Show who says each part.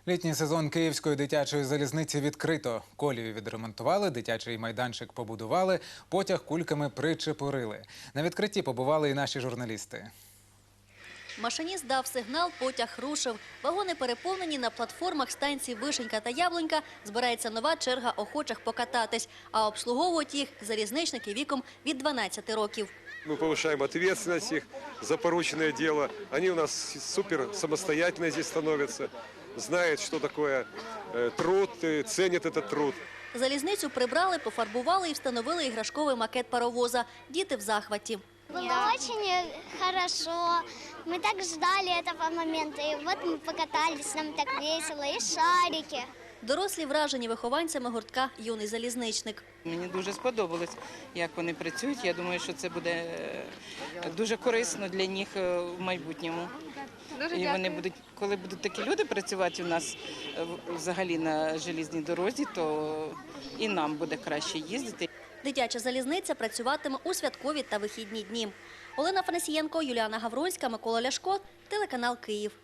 Speaker 1: Літній сезон Київської дитячої залізниці відкрито. Колію відремонтували, дитячий майданчик побудували, потяг кульками причепурили. На відкритті побували і наші журналісти.
Speaker 2: Машиніст дав сигнал, потяг рушив. Вагони переповнені, на платформах станцій Вишенька та Яблунька збирається нова черга охочих покататись. А обслуговують їх залізничники віком від 12 років.
Speaker 3: Мы повышаем ответственность их за порученное дело. Они у нас супер самостоятельно здесь становятся, знают, что такое труд, ценят этот труд.
Speaker 2: Залізницю прибрали, пофарбували і встановили іграшковий макет паровоза. Діти в захваті.
Speaker 4: Было очень хорошо. Мы так ждали этого момента. И вот мы покатались, нам так весело. И шарики.
Speaker 2: Дорослі вражені вихованцями гуртка «Юний залізничник».
Speaker 5: Мені дуже сподобалось, як вони працюють. Я думаю, що це буде дуже корисно для них в майбутньому. І вони будуть, коли будуть такі люди працювати у нас взагалі на железній дорозі, то і нам буде краще їздити.
Speaker 2: Дитяча залізниця працюватиме у святкові та вихідні дні. Олена Фанасієнко, Юліана Гавронська, Микола Ляшко, телеканал «Київ».